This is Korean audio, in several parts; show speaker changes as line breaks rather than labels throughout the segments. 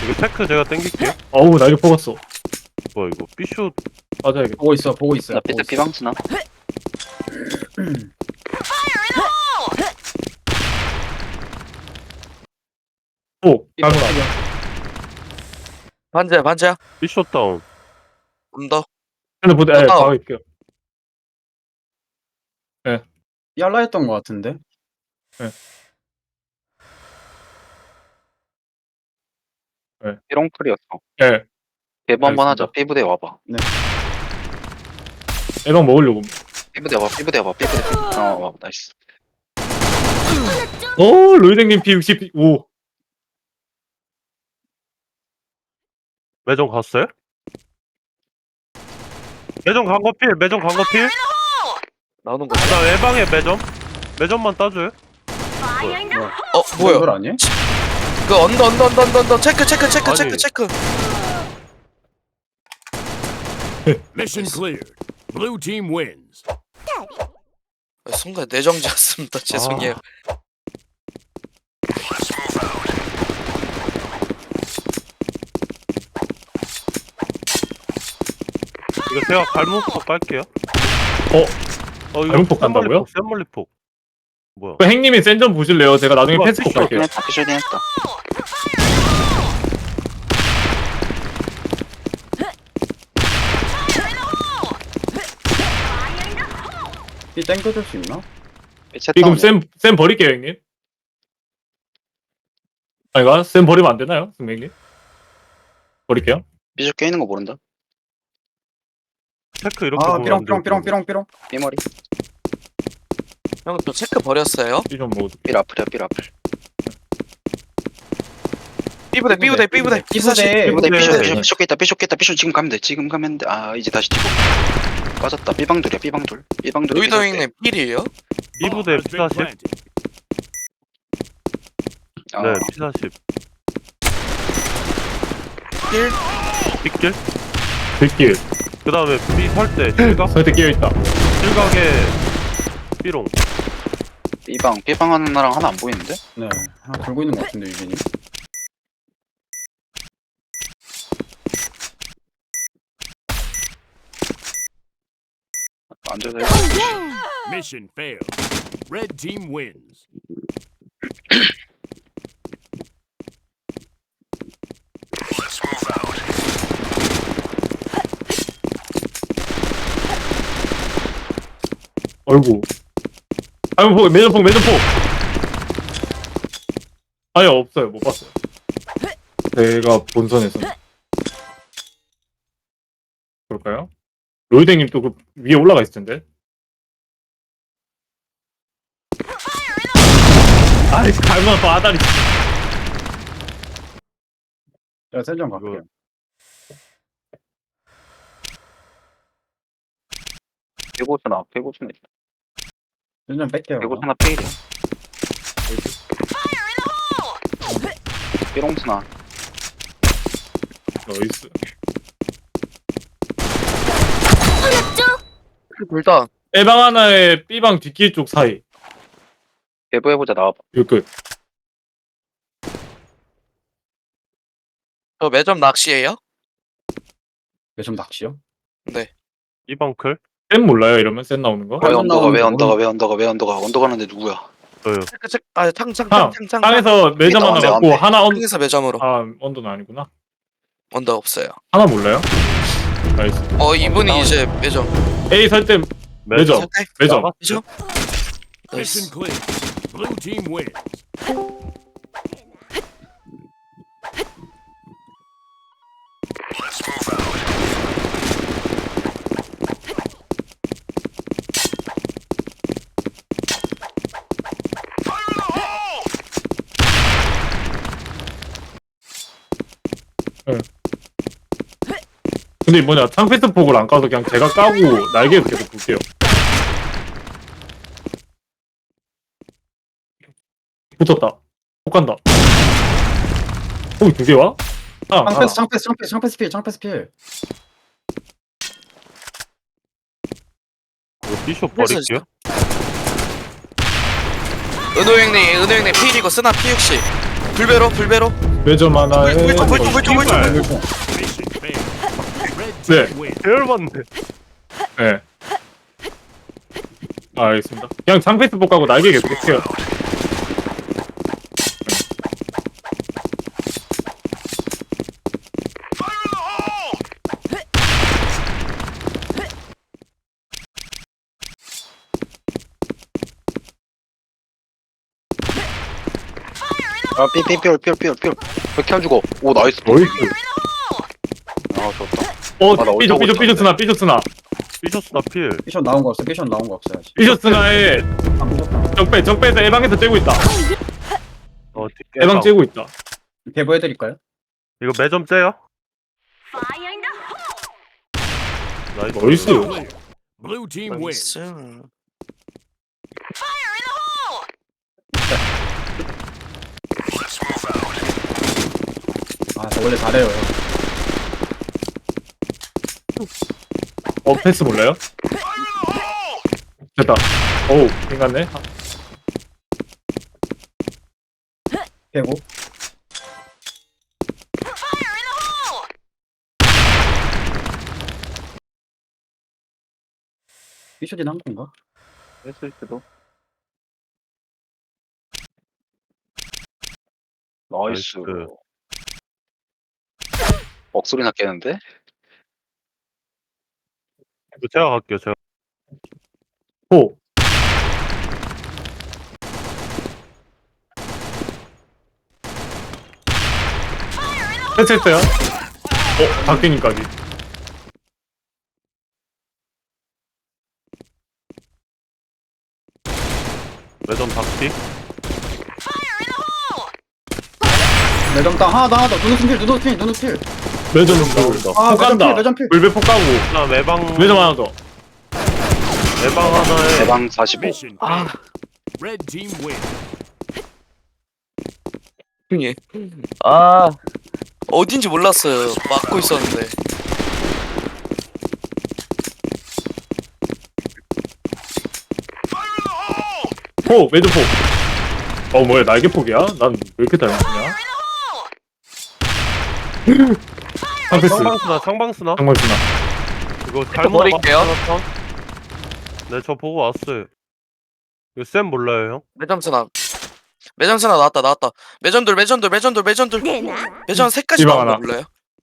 이거 테크 제가 땡길게요.
어우 나 이거 뽑았어.
뭐야 이거 삐쇼.
맞아야겠다.
보고 있어요.
나 삐뚤 비방스나.
오 잘못
반지야 반지야
삐쇼 다운.
언더
근데 보다
다운.
가고 있게요.
얄라 했던 것 같은데.
삐롱풀이었어.
예.
대부 한번
알겠습니다.
하자. 삐부대 와봐.
애방 먹으려고.
삐부대 와봐. 삐부대 와봐. 삐부대. 와봐. 나이스.
오 로이댕님 P65.
매점 갔어요? 매점 간거 필. 매점 간거 필.
나오는 거.
나 외방에 매점. 매점만 따줘요.
뭐야?
이걸 아니야?
그 언더 체크
아니.
체크.
Mission cleared. Blue team wins.
순간 내정지였습니다. 죄송해요.
이거 제가 갈무폭 깔게요. 이거
갈무폭 간다고요?
샘멀리폭. 뭐야?
그 행님이 센점 보실래요? 제가 나중에
우와,
패스폭 갈게요.
했다. 피쇼딘 했다.
이 땡겨줄 수 있나?
지금 쌤 버릴게요 형님. 아이가 쌤 버리면 안 되나요, 선생님? 버릴게요.
삐쇼 깨있는 거 모른다.
테크 이렇게
아
보면
삐롱
안
삐롱
돼요.
삐롱 삐롱 삐롱.
삐머리.
형 저 체크 버렸어요.
이좀 먹어도.
삐라플이야. 삐라플.
삐부대
삐부대.
삐부대.
삐부대.
삐쇼 깼다. 삐쇼 깼다. 삐쇼 지금 가면 돼. 지금 가면 돼. 아 이제 다시 뒤로. 빠졌다. 삐방돌이야. 삐방돌. 삐방돌.
로이더 형님 필이에요?
이부대
Has been
P40.
planted.
네, P40.
필?
빗길.
들길.
그 다음에 B 설대 실각.
설때 끼어 있다.
실각에 삐롱.
삐방 하는 나랑 하나 안 보이는데?
네. 하나 들고 있는 것 같은데 유빈이.
앉아서
Mission failed. Red team wins.
어이구. 아이고 매점폭. 아니 없어요, 못 봤어요. 제가 본선에서. 볼까요? 로이댕님 또 그 위에 올라가 있을 텐데. 아이 갈만 바다리.
제가 센점 갈게요.
배고프나. 배고프나.
센점 뺄게요.
배고프나 페일이야. 삐롱스나.
나이스.
둘다
A방 하나에 B방 뒷길 쪽 사이.
배부해보자. 나와봐.
이거 끝.
저 매점 낚시예요?
매점 낚시요?
이방클.
쌤 몰라요 이러면 쌤 나오는 거?
왜
빨간
언더가
나오는데
언더가는데 누구야?
저요.
체크 아 탕.
땅에서 매점 하나
안
갖고
돼.
하나
땅에서 매점으로
언더는 아니구나.
언더 없어요.
하나 몰라요? 나이스.
이분이 이제 매점
A 설때 매점.
설대?
매점.
매점?
Mission cleared. Blue team wins.
근데 뭐냐 창패스 폭을 안 까서 그냥 제가 까고 날개에서 계속 볼게요. 붙었다. 폭 간다. 폭이 두 개 와?
창패스 필.
이거 삐쇼 버릴게요.
은호 형님 필이고 쓰나 P60 불배로
매점 하나에
물총.
Mission failed. Red team
네.
wins.
대열받네.
네. 알겠습니다. 그냥 장패스 복하고 날개 계속해요.
아, 삐삐삐삐삐삐삐. 이렇게 안 죽어. 오, 나이스.
나이스.
아, 좋다.
어,
아, 나
삐졌,
어쩌고
삐졌으나.
삐졌다 필.
피션 나온 거 없어. 피션 나온 거 없어요. 아직.
삐졌으나에
안 삐졌다.
적배에서 에방에서 째고 있다.
뒷개
에방 째고 있다.
배부해드릴까요?
이거 매점 째요? 나이스.
나이스.
Clear. Blue team wins.
나이스.
아, 저 원래 잘해요.
패스 몰라요? 됐다. 어우, 괜찮네.
배고. 피션이 한 건가?
했을 때도. 나이스.
나이스.
억소리 났겠는데?
이거 제가 갈게요. 제가.
호. 패스했어요? 박균님까지.
매점 박티.
매점 땅 하나 더. 누누 필.
매점
나온다.
아,
폭 간다.
매점 필.
물배 폭 가고.
그다음 매방
매점 하나 더.
매방 하나에
대방 45.
Mission failed. Red team wins.
형님. 아 어딘지 몰랐어요. 막고 있었는데.
포, 매점 폭. 뭐야, 날개 폭이야? 난 왜 이렇게 잘 맞냐? 상패스.
상방스나.
정말 쓰나.
이거 잘못
버릴게요.
나갔다. 네, 저 보고 왔어요. 이거 쌤 몰라요, 형?
매점스나 나왔다. 매점들. 매점 색까지
이방
나온 거
하나.
몰라요?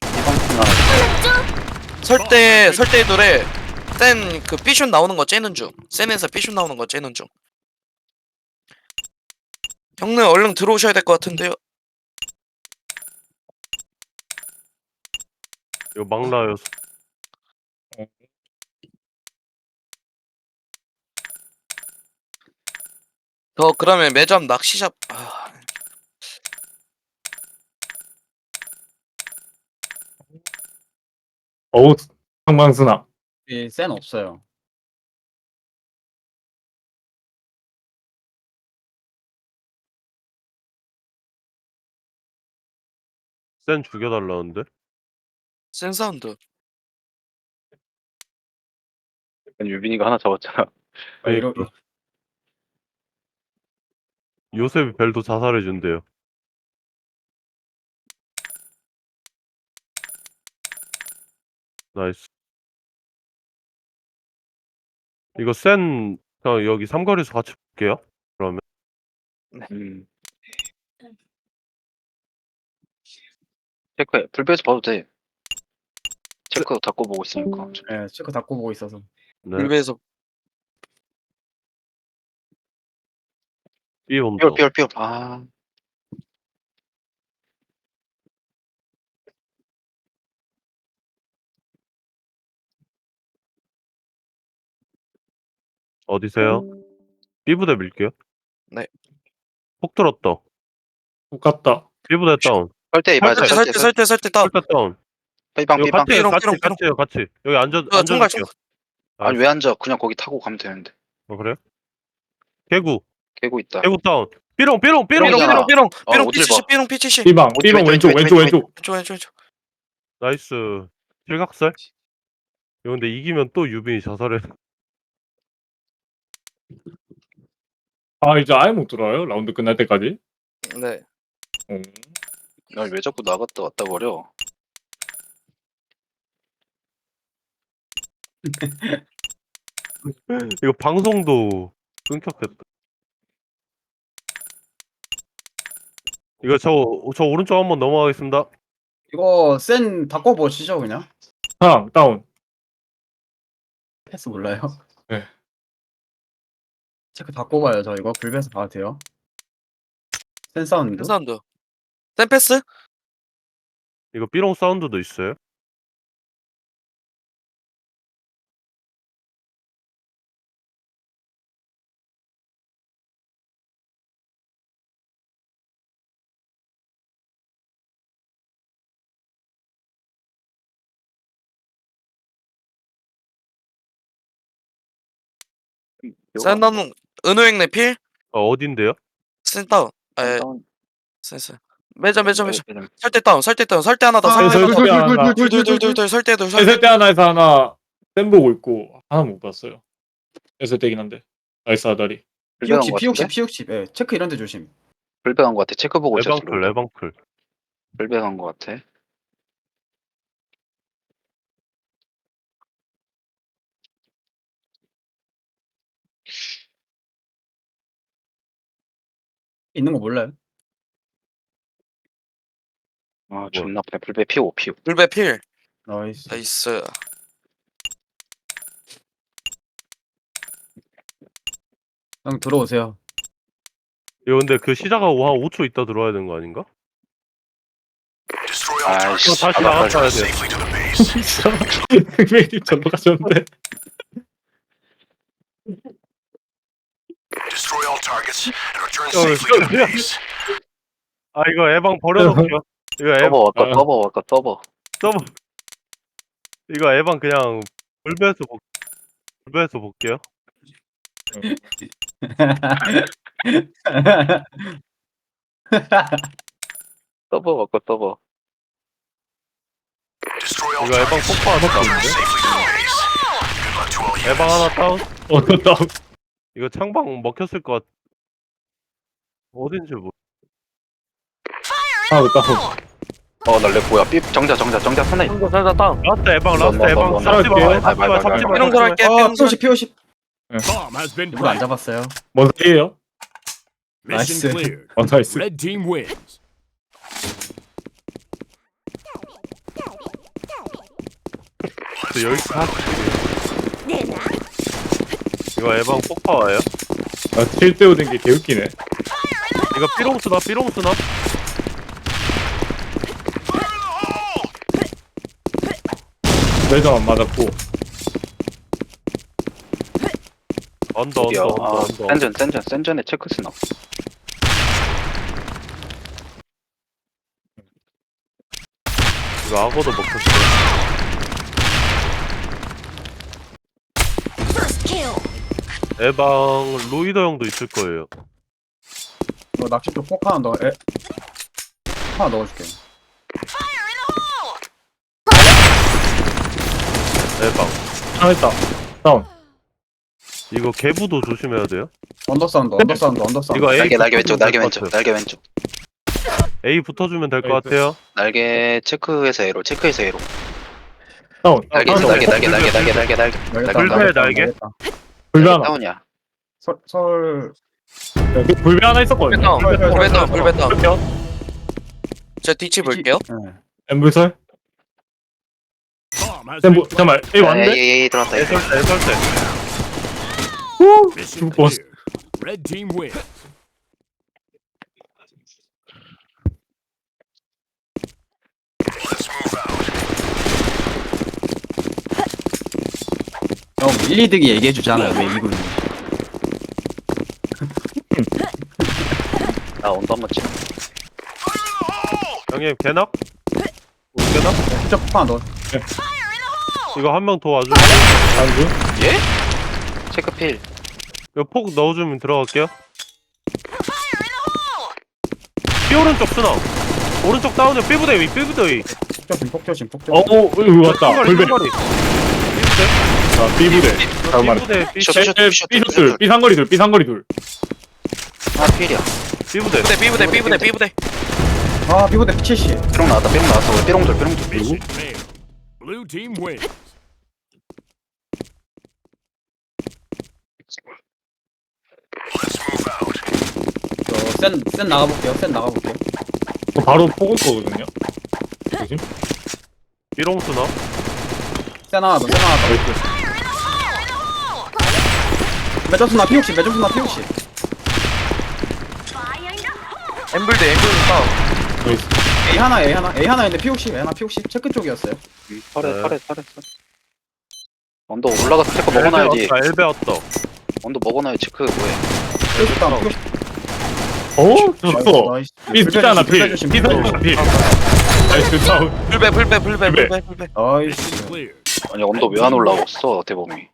하나.
설대 노래 센 그 삐슛 나오는 거 째는 중. 센에서 삐슛 나오는 거 째는 중. 형님 얼른 들어오셔야 될 것 같은데요.
이거 막나요.
저 그러면 매점 낚시잡.
어우, 상방스나.
센 없어요.
쌤 죽여달라는데?
센 사운드.
유빈이가 하나 잡았잖아.
아, 이러
요셉이 벨도 자살해준대요. 나이스. 이거 센 그냥 여기 삼거리에서 같이 볼게요. 그러면
체크해. 불배에서 봐도 돼. 체크 닫고 보고 있으니까.
예, 체크 닫고 보고 있어서.
네.
물배에서
B 온다.
삐올. 아,
어디세요? B 부대 밀게요.
네.
폭 들었다.
똑같다.
B 부대 다운.
설대 맞아. 설대.
설대 다운.
설대 다운.
삐방.
이거 같이
삐롱,
같이
삐롱,
같이 해요. 같이. 여기
총괄
앉아줄게요.
아니 왜 앉아? 그냥 거기 타고 가면 되는데.
그래요? 개구.
깨고 있다.
개구 다운. 삐롱.
삐롱이잖아.
삐롱
어딜
P70
봐.
삐롱 P70.
삐방, 삐방
왼쪽,
왼쪽.
왼쪽.
나이스. 실각설. 이거 근데 이기면 또 유빈이 자살해.
이제 아예 못 들어요? 라운드 끝날 때까지?
네.
어.
왜 자꾸 나갔다 왔다 거려?
이거 방송도 끊겼겠다. 이거 저 오른쪽 한번 넘어가겠습니다.
이거 센 바꿔보시죠 그냥.
하나 다운.
패스 몰라요?
네.
체크 바꿔봐요 저 이거 불배에서 봐도 돼요. 센 사운드.
사운드. 센 패스?
이거 삐롱 사운드도 있어요.
센 다운. 은호행 내필?
어딘데요?
센 다운. 에,
다운.
센스. 매점.
네,
설대 다운. 설대 하나 더.
아,
설대
설대 하나.
둘. 설대 둘.
에셀 때 하나에서 하나 쌤 보고 있고 하나 못 봤어요. 에셀 때긴 한데. 나이스 아다리.
P60 P60 예 체크 이런 데 조심.
불배한 거 같아. 체크 보고 있었어.
레방클.
불배한 거 같아.
있는 거 몰라요?
아 존나 아프네. 불배 피오.
불배 필.
나이스.
나이스.
형 들어오세요.
이거 근데 그 시작하고 한 5초 있다 들어와야 되는 거 아닌가?
아이씨.
이거 다시 나갔어야 돼.
흑메이님 전도 가셨는데.
아 이거 에방 버려놓을게요. 이거
떠버.
서버. 이거 에방 그냥 불배해서 볼게요.
떠버.
이거 에방 폭파 하나 다운인데? 에방 하나 다운?
다운.
이거 창방 먹혔을 것 같... 어딘지 모르...
하나 다운.
날래 뭐야? 정자 하나 있어.
설대 다운.
라스트 에방 잡지
말.
마.
삐롱 들어갈게.
어
삐롱 설.
P50
Bomb has been
누구 안
planted.
잡았어요?
뭔 소리예요?
Mission
Nice.
cleared.
나이스.
Red team wins.
여기 이거 에방 폭파 와요?
아 7대5 된 게 개웃기네.
이거 삐롱 쓰나?
매점 안 맞았고.
언더.
센전에 체크 스나.
이거 악어도 먹혔어요. 에방 로이더 형도 있을 거예요.
너 낚시도 폭 하나 넣어. 하나 넣어줄게.
에방.
하나 했다. 다운.
이거 개부도 조심해야 돼요.
언더사운드.
이거 A
날개
붙어주면
왼쪽.
될것 같아요.
날개 왼쪽.
A 붙어주면 될 것 같아요.
날개 체크해서 에로.
다운.
날개.
불배 날개?
불배 하나.
다운이야.
설
불배 하나 있었거든요.
불배 다운.
불배.
제가 뒤치 볼게요.
네.
엠불설.
Bomb has
쌤
been
뭐 잠깐만. A 왔는데?
에이 들어왔다.
애설대.
Mission
죽을
cleared. Red team wins.
형 1, 2득이 얘기해주잖아요 왜 이군.
나 언더 한번 치자.
형님 개낙? 개낙?
진짜 폭 하나 넣어.
이거 한 명 더 와주면
안주.
예? 체크 필.
이거 폭 넣어주면 들어갈게요. B 오른쪽 쓰나? 오른쪽 다운이야. B부대 위.
폭 조심.
이거 왔다. 불배.
삐부대.
자, B부대. 잠깐만.
B부대.
B슛, B상거리 둘.
아 필이야.
B부대.
B부대.
아 비보대 70.
삐롱 나왔다 우리 삐롱돌
Mission failed. Blue team wins.
센 나가볼게요. 센 나가볼게요.
바로 뽑을 거거든요. 조심.
삐롱스나?
센 하나 더. 센 하나 더.
나이스.
매점수나 P60. 매점수나 P60.
엠블드 다운.
나이스.
A 하나인데 P60. A 하나 P60. 체크 쪽이었어요.
털에 언더 올라가서 체크 먹어놔야지
엘베 왔다.
언더 먹어놔야지 체크 뭐해
P60 다운. P60.
좋았어.
나이스.
삐 숫자나 필.
조심.
삐 숫자나 필. 나이스 다운.
불배.
Mission
나이스.
clear.
아니 언더 왜 안 올라왔어 대범이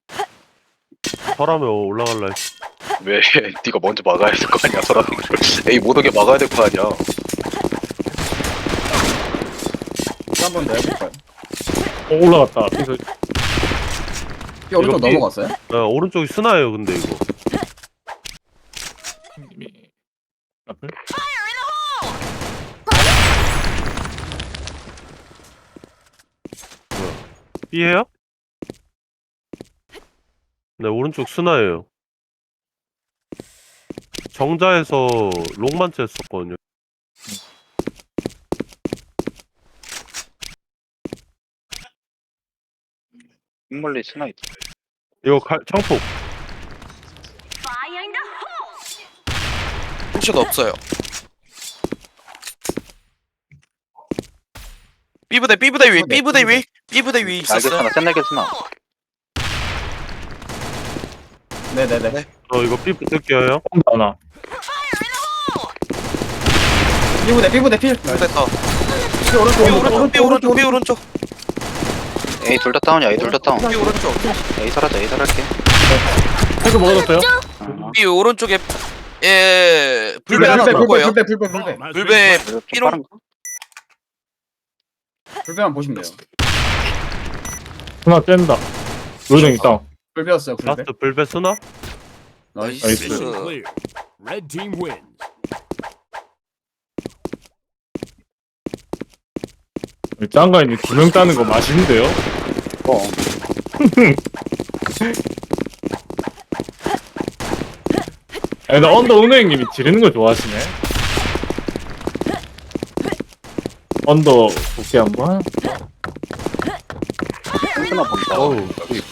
설하면 올라갈라 했어.
왜 네가 먼저 막아야 될 거 아니야 서라는 걸 에이 못 오게 막아야 될 거 아니야
한번 더 해볼까요?
올라갔다. 삐
삐 오른쪽
이거 삐-
넘어갔어요?
오른쪽이 스나예요 근데 이거.
앞을.
B해요? 네 오른쪽 스나예요. 정자에서 롱만치 했었거든요.
흰멀리 스나이트
이거 창폭.
푸시도 없어요. 삐부대 위 있었어요.
날개 스나
네네네.
이거 B 붙을게요.
하나.
B부대 필.
삐부대 다운.
삐 오른쪽.
삐 오른쪽.
에이 둘 다 다운이야 에이 둘 다 다운
삐 오른쪽.
에이 설할게
태그 먹어줬어요?
삐 오른쪽에 불배 하나
불배
돌 거예요.
불배.
Bomb has been
불배
planted.
삐롱.
불배만 보시면 돼요.
하나 뗀다. 요정 있다.
불배였어요. 불배.
라스트 불배 스나?
나이스.
나이스.
Mission clear. Red team wins.
짱가인이 2명 따는 거 맛있는데요? 아니, 나 언더 은호 형님이 지르는 거 좋아하시네. 언더 볼게 한번.
스나 본다
어우.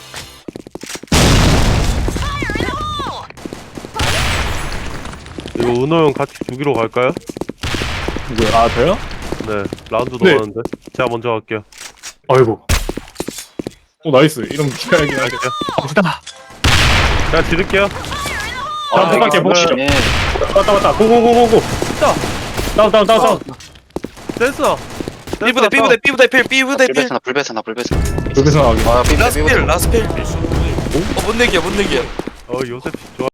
이거 은호 형 같이 죽이러 갈까요?
누구야? 아, 저요?
네 라운드
네.
넘었는데 제가 먼저 갈게요.
아이고. 오, 나이스. 이런 기가야긴 하겠다.
갑시다. 제가 지를게요.
다음 생각해 보시죠.
예.
왔다. 고고고고고. 다운.
됐어.
삐부대 필.
불배스나
여기서 나가게.
아 삐부대
라스필.
Mission clear.
못 내기야.
요셉 좋아.